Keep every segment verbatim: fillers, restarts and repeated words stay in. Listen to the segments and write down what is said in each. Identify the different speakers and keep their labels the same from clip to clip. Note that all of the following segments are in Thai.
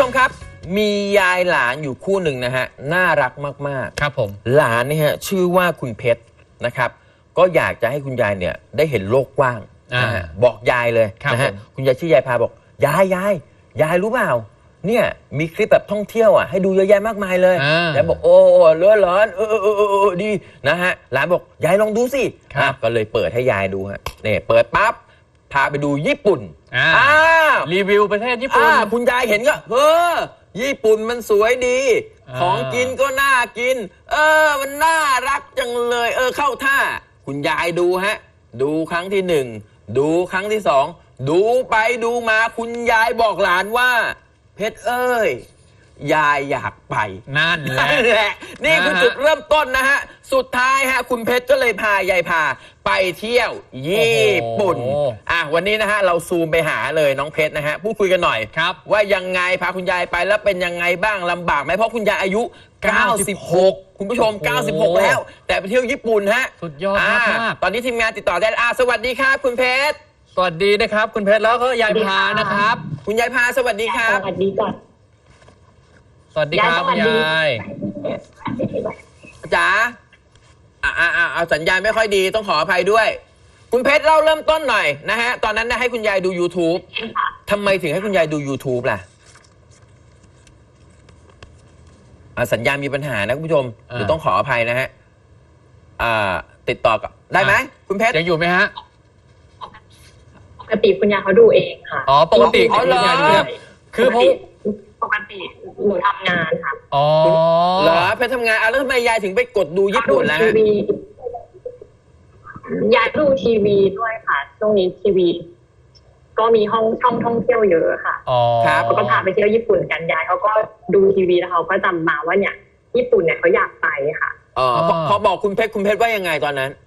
Speaker 1: ชมครับมียายหลานอยู่คู่หนึ่งนะฮะน่ารักมากๆ
Speaker 2: ครับผม
Speaker 1: หลานเนี่ยฮะชื่อว่าคุณเพชรนะครับก็อยากจะให้คุณยายเนี่ยได้เห็นโลกกว้างนะฮะบอกยายเลยนะฮะคุณยายชื่อยายพาบอกยายยายยายรู้เปล่าเนี่ยมีคลิปแบบท่องเที่ยวอ่ะให้ดูเยอะแยะมากมายเลยยายบอกโอ้เลือดร้อนเออเออเออดีนะฮะหลานบอกยายลองดูสิก็เลยเปิดให้ยายดูฮะเนี่ยเปิดปั๊บพาไปดูญี่ปุ่น
Speaker 2: อ่ารีวิวประเทศญี่ปุ่น
Speaker 1: คุณยายเห็นก็เออญี่ปุ่นมันสวยดีของกินก็น่ากินเออมันน่ารักจังเลยเออเข้าท่าคุณยายดูฮะดูครั้งที่หนึ่งดูครั้งที่สองดูไปดูมาคุณยายบอกหลานว่าเพชรเอ้ยยายอยากไป
Speaker 2: นั่นแหละ
Speaker 1: นี่คือจุดเริ่มต้นนะฮะสุดท้ายฮะคุณเพชรก็เลยพายายพาไปเที่ยวญี่ปุ่นอ่ะวันนี้นะฮะเราซูมไปหาเลยน้องเพชรนะฮะพูดคุยกันหน่อยครับว่ายังไงพาคุณยายไปแล้วเป็นยังไงบ้างลำบากไหมเพราะคุณยายอายุเก้าสิบหกคุณผู้ชมเก้าสิบหกแล้วแต่ไปเที่ยวญี่ปุ่นฮะ
Speaker 2: สุดยอดมาก
Speaker 1: ตอนนี้ทีมงานติดต่อได้อ่ะสวัสดีครับคุณเพชร
Speaker 2: สวัสดีนะครับคุณเพชรแล้วก็ยายพานะครับ
Speaker 1: คุณยายพาสวัสดีครับ
Speaker 3: สวัสดีก่อน
Speaker 2: สวัสดีครับยาย
Speaker 1: จ๋าอ่าอ่าเอาสัญญาณไม่ค่อยดีต้องขออภัยด้วยคุณเพชรเล่าเริ่มต้นหน่อยนะฮะตอนนั้นนะให้คุณยายดู YouTube ทำไมถึงให้คุณยายดู YouTube ล่ะสัญญาณมีปัญหานะคุณผู้ชมเดี๋ยวต้องขออภัยนะฮะติดต่อกับได้ไหมคุณเพชร
Speaker 2: ยังอยู่ไหมฮะ
Speaker 3: ปกติคุณยายเขาดูเองค่ะ
Speaker 2: อ๋อปกติคุณยายดูเองคือผม
Speaker 3: ปกติหนูทำงานค่ะ
Speaker 2: อ๋อ
Speaker 1: เหรอไปทำงานแล้วทำไมยายถึงไปกดดูญี่ปุ่นล่ะ
Speaker 3: ยายดูทีวีด้วยค่ะช่วงนี้ทีวีก็มีห้องช่องท่องเที่ยวเยอะค่ะ
Speaker 1: ครับ
Speaker 3: เขาก็พาไปเที่ยวญี่ปุ่นกันยายเขาก็ดูทีวีแล้วเขาก็จำมาว่าเนี่ยญี่ปุ่นเนี่ยเขาอยากไปค่ะ
Speaker 1: อ๋อพอบอกคุณเพชรคุณเพชรว่ายังไงตอนนั้น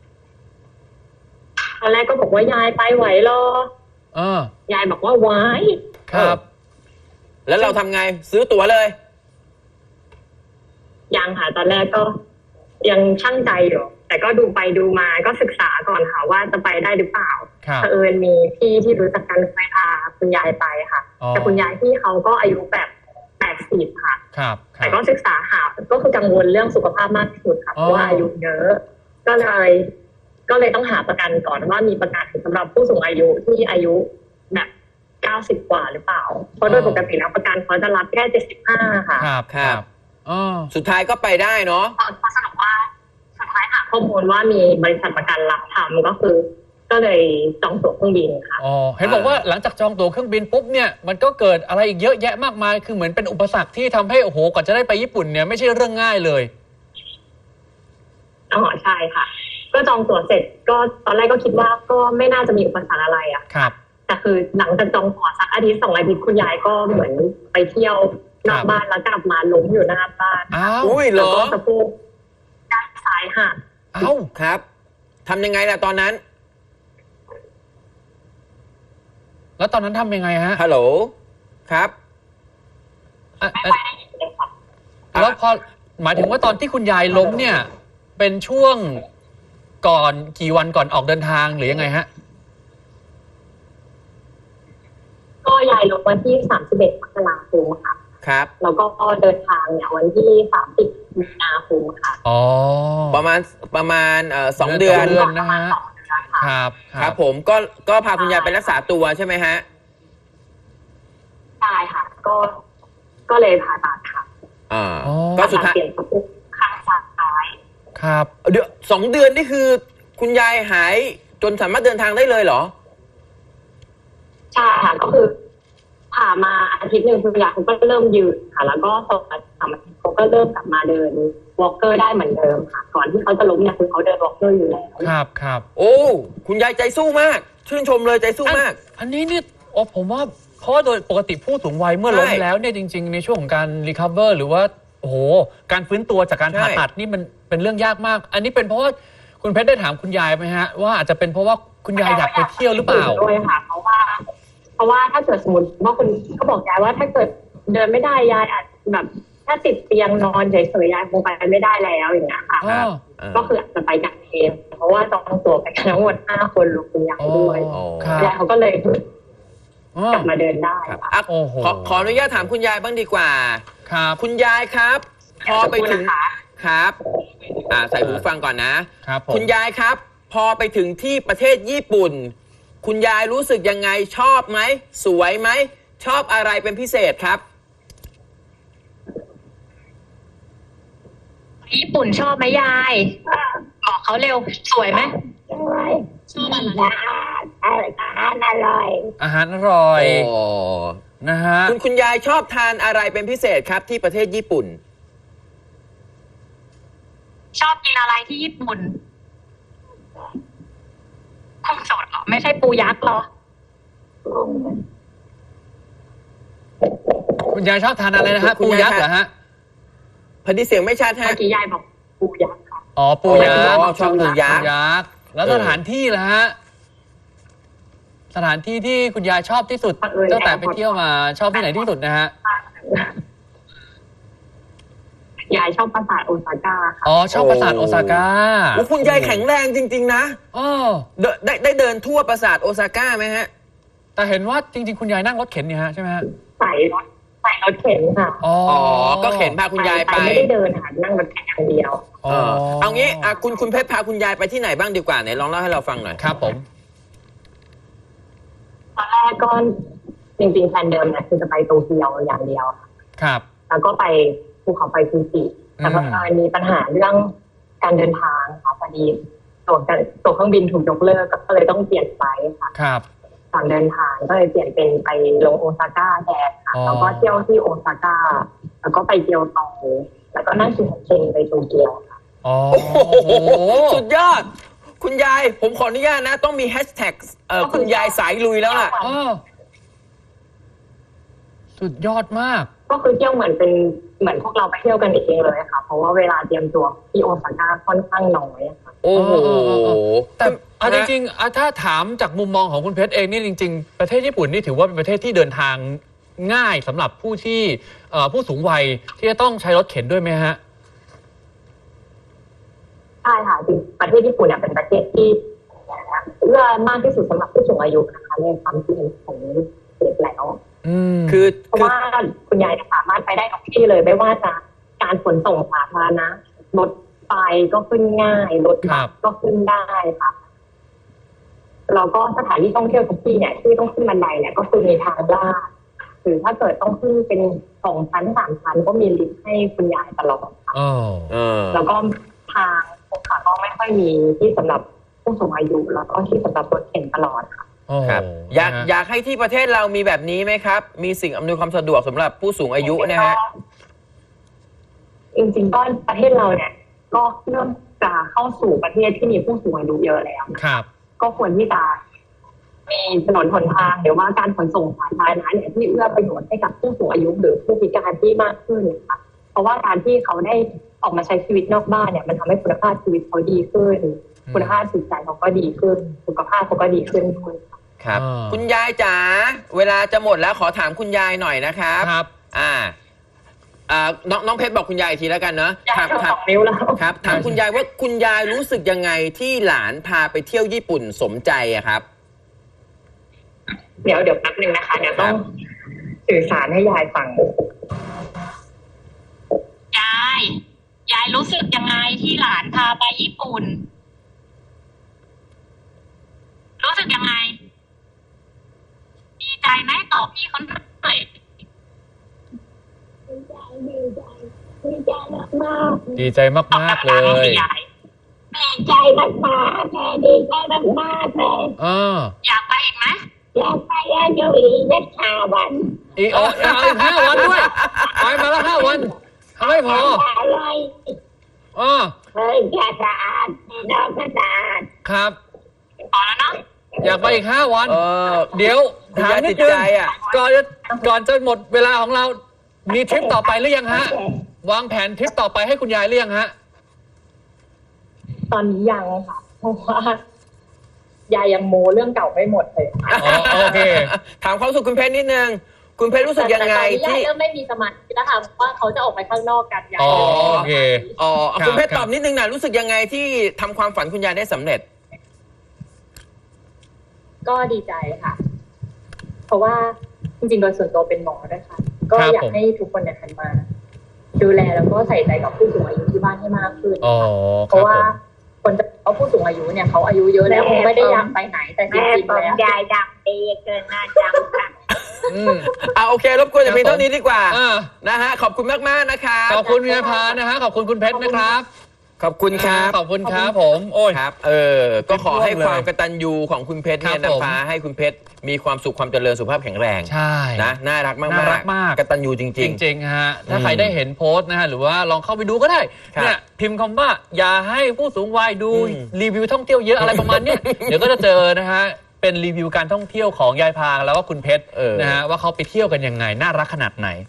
Speaker 3: ตอนแรกก็บอกว่ายายไปไหวหรอยายบอกว่าไหว
Speaker 2: ครับ
Speaker 1: แล้วเราทำไงซื้อตั๋วเลย
Speaker 3: ยังค่ะตอนแรกก็ยังชั่งใจอยู่แต่ก็ดูไปดูมาก็ศึกษาก่อนค่ะว่าจะไปได้หรือเปล่าเผอิญมีพี่ที่รู้จักกันเคยพาคุณยายไปค่ะแต่คุณยายที่เขาก็อายุแบบแปดสิบค่ะแต่ก็ศึกษาหาก็คือกังวลเรื่องสุขภาพมากที่สุดค่ะเพราะว่าอายุเยอะก็เลยก็เลยต้องหาประกันก่อนว่ามีประกันสำหรับผู้สูงอายุที่อายุแบบเก้าสิบกว่าหรือเปล่าเพราะโดยปกติแล้วประกันเขาจะรับแค่เจ็ดสิบห้าค่ะ
Speaker 1: ครับครับอ๋อสุดท้ายก็ไปได้เนาะ
Speaker 3: พอสรุปว่าสุดท้ายหาข้อมูลว่ามีบริษัทประกันรับทำก็คือก็เลยจองตั๋วเครื่องบินค่ะ
Speaker 2: อ๋อเห็นบอกว่าหลังจากจองตั๋วเครื่องบินปุ๊บเนี่ยมันก็เกิดอะไรอีกเยอะแยะมากมายคือเหมือนเป็นอุปสรรคที่ทำให้โอ้โหกว่าจะได้ไปญี่ปุ่นเนี่ยไม่ใช่เรื่องง่ายเลย
Speaker 3: อ๋อใช่ค่ะก็จองตั๋วเสร็จก็ตอนแรกก็คิดว่าก็ไม่น่าจะมีอุปสรรคอะไรอ่ะ
Speaker 2: ครับ
Speaker 3: แต่คือหลังจากจองตั๋วสักอาทิตย์สองอาทิตย์คุณยายก็เหมือนไปเที่ยวนอกบ้านแล้วกลับมาล้มอยู่หน้าบ้าน
Speaker 2: อ้าว
Speaker 1: แล้วก็
Speaker 3: สะโพกด้านซ้ายหัก
Speaker 1: อ้าวครับทำยังไงล่ะตอนนั้น
Speaker 2: แล้วตอนนั้นทำยังไงฮะ
Speaker 1: ฮัลโหลครับ
Speaker 2: แล้วพอหมายถึงว่าตอนที่คุณยายล้มเนี่ยเป็นช่วงก่อนกี่วันก่อนออกเดินทางหรือยังไงฮะ
Speaker 3: ก็ยายลงวันที่สามสิบเอ็ดมกราคมค่ะ
Speaker 1: ครับ
Speaker 3: แล้วก็เดินทางเนี่ยวันที่สามสิบมีนาคมค่ะ
Speaker 2: อ๋อ
Speaker 1: ประมาณประมาณเอ่อสองเดือน
Speaker 2: นะฮะครับ
Speaker 1: ครับผมก็ก็พาคุณยายไปรักษาตัวใช่ไหมฮะ
Speaker 3: ใช่ค่ะก็ก็เลยผ่าตัดค่ะ
Speaker 1: อ่าก็สุดท้าย
Speaker 3: เปลี่ยนสะโพกข้างซ้าย
Speaker 2: ครับ
Speaker 1: เดี๋ยวสองเดือนนี่คือคุณยายหายจนสามารถเดินทางได้เลยเหรอ
Speaker 3: ใช่ค่ะก็คือผ่ามาอาทิตย์หนึ่งคุณยายเขาก็เริ่มยืนค่ะแล้วก็สองสามอาทิตย์เขาก็เริ่มกลับมาเดินวอล์กเกอร์ได้เหมือนเดิมค่ะก่อนที่เขาจะล้มเนี่ยคือเขาเดินวอล์กเกอร์อยู่แล้ว
Speaker 2: ครับครับ
Speaker 1: โอ้คุณยายใจสู้มากชื่นชมเลยใจสู้มาก
Speaker 2: อันนี้เนี่ยโอ้ผมว่าเพราะว่าโดยปกติผู้สูงวัยเมื่อล้มแล้วเนี่ยจริงๆในช่วงของการรีคัฟเวอร์หรือว่าโอ้โหการฟื้นตัวจากการผ่าตัดนี่มันเป็นเรื่องยากมากอันนี้เป็นเพราะว่าคุณเพชรได้ถามคุณยายไหมฮะว่าอาจจะเป็นเพราะว่าคุณยายอยากไปเที่ยวหรือเปล่า
Speaker 3: ด้วยค่ะเพราะว่าเพราะว่าถ้าเกิดสมมติว่าคุณเขาบอกยายว่าถ้าเกิดเดินไม่ได้ยายอาจแบบถ้าติดเตียงนอนเฉยๆยายคงไปไม่ได้แล้วอย่างเงี้ยค่ะก็คืออาจจะไปกันเองเพราะว่าจองตัวไปทั้งหมดห้าคนรวมคุณยายด้วยยายเขาก็เลยกลับมาเดินได้
Speaker 1: ครับ
Speaker 3: ค่ะ
Speaker 1: อ่ะ
Speaker 2: โอ้โห
Speaker 1: ขอขออนุญาตถามคุณยายบ้างดีกว่า
Speaker 2: ครับ
Speaker 1: คุณยายครับ พอไปถึง
Speaker 3: นะคะ
Speaker 1: ครับอ่าใส่หูฟังก่อนนะ
Speaker 2: ครับผม
Speaker 1: คุณยายครับ พอไปถึงที่ประเทศญี่ปุ่น คุณยายรู้สึกยังไงชอบไหมสวยไหมชอบอะไรเป็นพิเศษครับ
Speaker 3: ญี่ปุ่นชอบไหมยายบอกเขาเร็วสวยไหมสวยชอบอะไรอาหารอร่อย
Speaker 2: อาหารอร่อย
Speaker 1: โอ้
Speaker 2: นะฮะ
Speaker 1: คุณคุณยายชอบทานอะไรเป็นพิเศษครับที่ประเทศญี่ปุ่น
Speaker 3: ชอบกินอะไรที่ญี่ปุ่นกุ้งสดเหรอไม่ใช่ปูยักษ์เหรอ
Speaker 2: คุณยายชอบทานอะไรนะฮะ
Speaker 1: คุณ
Speaker 2: ปู
Speaker 1: ยาย
Speaker 2: ยักษ์เหรอฮะ
Speaker 1: พอดีเสียงไม่ชัดฮะ
Speaker 3: เมื่อกี้ยายบอกปูยักษ์ค่ะ
Speaker 2: อ๋อปูยักษ์
Speaker 1: อ๋อชอบปูยักษ์
Speaker 2: ปูยักษ์แล้ว
Speaker 1: เออ
Speaker 2: สถานที่ล่ะฮะสถานที่ที่คุณยายชอบที่สุดตั้งแต่ไปเที่ยวมาชอบที่ไหนที่สุดนะฮะ
Speaker 3: ยายชอบปราสาทโอซาก้าค่ะ
Speaker 2: อ๋อชอบปราสาทโอซาก้า
Speaker 1: โอ้คุณยายแข็งแรงจริง ๆ นะ
Speaker 2: อ๋อ
Speaker 1: เดนได้ได้เดินทั่วปราสาทโอซาก้าไหมฮะ
Speaker 2: แต่เห็นว่าจริง ๆ คุณยายนั่งรถเข็นเนี่ยฮะใช่ไหมฮะ
Speaker 3: ใส่รถใส่รถเข็นค่ะ
Speaker 2: อ๋อ
Speaker 1: อ๋อ ก็เข็นพาคุณยายไป
Speaker 3: ไม่ได้เดินค่ะนั่งรถเข็นอย่างเดียว
Speaker 1: เออเอางี้อ่ะคุณคุณเพชรพาคุณยายไปที่ไหนบ้างดีกว่าไหนลองเล่าให้เราฟังหน่อย
Speaker 2: ครับผม
Speaker 3: ตอนแรกก็จริงๆแผนเดิมเนี่ยคือจะไปโตเกียวอย่างเดียวค่ะ
Speaker 2: ครับ
Speaker 3: แล้วก็ไปภูเขาไฟฟูจิแต่พอมีปัญหาเรื่องการเดินทางค่ะพอดีตั๋วตั๋วเครื่องบินถูกยกเลิกก็เลยต้องเปลี่ยนไฟล์ค่ะ
Speaker 2: ครับ
Speaker 3: ก่อนเดินทางก็เลยเปลี่ยนเป็นไปลงโอซาก้าแทนค่ะ
Speaker 2: อ๋อ
Speaker 3: แล้วก็เที่ยวที่โอซาก้าแล้วก็ไปเกียวโตแล้วก็นั่งชินคันเซ็นไปโตเกียวค่ะ
Speaker 2: อ๋อ
Speaker 1: โอ้โห สุดยอด คุณยาย ผมขออนุญาตนะ ต้องมีแฮชแท็กเอ่อคุณยายสายลุยแล้วล่ะ
Speaker 2: อ๋อสุดยอดมาก
Speaker 3: ก็คือเที่ยวเหมือนเป็นเหมือนพวกเราไปเที่ยวกันเองเลยค่ะ เพราะว่าเวลาเตรียมตัวที่โอซาก้าค่อนข้างน้อยค่ะ
Speaker 1: โอ้โห
Speaker 2: แต่เอาจริงๆอ่ะถ้าถามจากมุมมองของคุณเพชรเองนี่จริง ๆ ประเทศญี่ปุ่นนี่ถือว่าเป็นประเทศที่เดินทางง่ายสำหรับผู้ที่เอ่อผู้สูงวัยที่จะต้องใช้รถเข็นด้วยไหมฮะ
Speaker 3: ใช่ค่ะจริงประเทศญี่ปุ่นเนี่ยเป็นประเทศที่เอื้อมากที่สุดสำหรับผู้สูงอายุนะคะในความคิดเห็นของเด็กแล้ว
Speaker 2: อืม
Speaker 1: คือ
Speaker 3: เพราะว่าคุณยายสามารถไปได้ทุกที่เลยไม่ว่าจะการขนส่งสาธารณะรถไฟก็ขึ้นง่ายรถบัสก็ขึ้นได้ค่ะแล้วก็สถานที่ท่องเที่ยวทุกที่เนี่ยที่ต้องขึ้นบันไดเนี่ยก็คือมีทางลาดหรือถ้าเกิดต้องขึ้นเป็นสองชั้นสามชั้นก็มีลิฟต์ให้คุณยายตลอดค่ะ
Speaker 2: อ๋อ
Speaker 1: เออ
Speaker 3: แล้วก็ทางค่ะก็ไม่ค่อยมีที่สำหรับผู้สูงอายุแล้วก็ที่สำหรับรถเข็นตลอดค่ะ
Speaker 1: ครับ อยากอยากให้ที่ประเทศเรามีแบบนี้ไหมครับ มีสิ่งอำนวยความสะดวกสำหรับผู้สูงอายุนะฮะ
Speaker 3: จริงๆก็ประเทศเราเนี่ย ก็เริ่มจะเข้าสู่ประเทศที่มีผู้สูงอายุเยอะแล้วนะครับ ก็ควรที่จะมีถนนหนทางหรือว่าการขนส่งสาธารณะเนี่ยที่เอื้อประโยชน์ให้กับผู้สูงอายุหรือผู้พิการที่มากขึ้นนะคะเพราะว่าการที่เขาได้ออกมาใช้ชีวิตนอกบ้านเนี่ยมันทำให้คุณภาพชีวิตเขาดีขึ้น คุณภาพจิตใจเขาก็ดีขึ้นสุขภาพเขาก็ดีขึ้นด้วย
Speaker 1: ครับ คุณยายจ๋าเวลาจะหมดแล้วขอถามคุณยายหน่อยนะครับ
Speaker 2: ครับ
Speaker 1: อ่า อ่าน้องน้องเพชรบอกคุณยายอีกทีแล้วกันเนาะ
Speaker 3: ยาย
Speaker 1: ถาม
Speaker 3: โชว์
Speaker 1: ถา
Speaker 3: ส
Speaker 1: ม
Speaker 3: องนิ้วแล้ว
Speaker 1: ครับถามคุณยายว่าคุณยายรู้สึกยังไงที่หลานพาไปเที่ยวญี่ปุ่นสมใจอะครับ
Speaker 3: เดี๋ยวเดี๋ยวแป๊บนึงนะคะเดี๋ยวต้องสื่อสารให้ยายฟังยายยายรู้สึกยังไงที่หลานพาไปญี่ปุ่น รู้สึกยังไง ดีใจไหมตอบพี่เขาหน่อยดีใจดีใจดีใจมากมาก
Speaker 2: ดีใจมากๆเลย
Speaker 3: ดีใจมากมากแม่ดีใจมากมากเลย
Speaker 2: อ่า
Speaker 3: อยากไปอีกไหมอยากไปอยู่อีกสักห้าวัน
Speaker 2: อีกเอาเอาอีกห้าวันด้วยไปมาแล้วห้าวันทำไม่พอ
Speaker 3: อะไร
Speaker 2: อ๋อ
Speaker 3: เฮ้ยแกสะอาดน้องก็สะอาด
Speaker 2: ครับ
Speaker 3: พอแล้วเนาะ
Speaker 2: อยากไปอีกห้าวัน
Speaker 1: เออ
Speaker 2: เดี๋ยว
Speaker 1: คุณ
Speaker 2: ถาม
Speaker 1: ยาย
Speaker 2: นิ
Speaker 1: ติ
Speaker 2: ด
Speaker 1: ด
Speaker 2: นึง
Speaker 1: ใจอะ
Speaker 2: ก่อนจะก่อนจะหมดเวลาของเรา มีทริปต่อไปหรือยังฮะ วางแผนทริปต่อไปให้คุณยายหรือยังฮะ
Speaker 3: ตอนนี้ยังค่ะเพราะว่ายายยังโมเรื่องเก่าไม่หมดเลย
Speaker 2: อ๋อโอเค
Speaker 1: ถามความรู้สึกคุณเพชรนิดนึง คุณเพชรรู้สึกยังไง
Speaker 3: แต่ตอนนี้
Speaker 1: ที่
Speaker 3: ยายเริ่มไม่มีสมาธิแล้วค่ะเพราะว่าเขาจะออกไปข้างนอกกันยาย
Speaker 2: อ๋อโอเค
Speaker 1: อ๋อ
Speaker 2: ครับ
Speaker 1: คุณเพชร
Speaker 2: ครับ
Speaker 1: ตอบนิดนึงนะรู้สึกยังไงที่ทำความฝันคุณยายได้สำเร็จ
Speaker 3: ก็ดีใจค่ะราะว่าจริงๆโดยส่วนตัวเป็นหมอด้วยค่ะก็อยากให้ทุกคนเนี่ยหันมาดูแลแล้วก็ใส่ใจกับผู้สูงอายุที่บ้านให้มากขึ้นเพราะว่าคนจะเอาผู้สูงอายุเนี่ยเขาอายุเยอะแล้วคงไม่ได้อยากไปไหนแต่จริงๆแล้วยายดำดีเกินหน้าจำค่ะ
Speaker 1: อ่าโอเครบกวนจะเพียงเท่านี้ดีกว่านะฮะขอบคุณมากๆนะครับ
Speaker 2: ขอบคุณยายพานะฮะขอบคุณคุณเพชรนะครับ
Speaker 1: ขอบคุณครับ
Speaker 2: ขอบคุณครับผมโอ้ย
Speaker 1: ครับเออก็ขอให้ความกตัญญูของคุณเพชรเนี่ยนำพาให้คุณเพชรมีความสุขความเจริญสุขภาพแข็งแรง
Speaker 2: ใช่
Speaker 1: นะน่ารักมาก
Speaker 2: น่ารักมาก
Speaker 1: กตัญญูจริง
Speaker 2: ๆจริงๆฮะถ้าใครได้เห็นโพสต์นะฮะหรือว่าลองเข้าไปดูก็ได้เนี่ยพิมพ์คำว่าอย่าให้ผู้สูงวัยดูรีวิวท่องเที่ยวเยอะอะไรประมาณนี้เดี๋ยวก็จะเจอนะฮะเป็นรีวิวการท่องเที่ยวของยายพาแล้วก็คุณเพชรนะฮะว่าเขาไปเที่ยวกันยังไงน่ารักขนาดไหน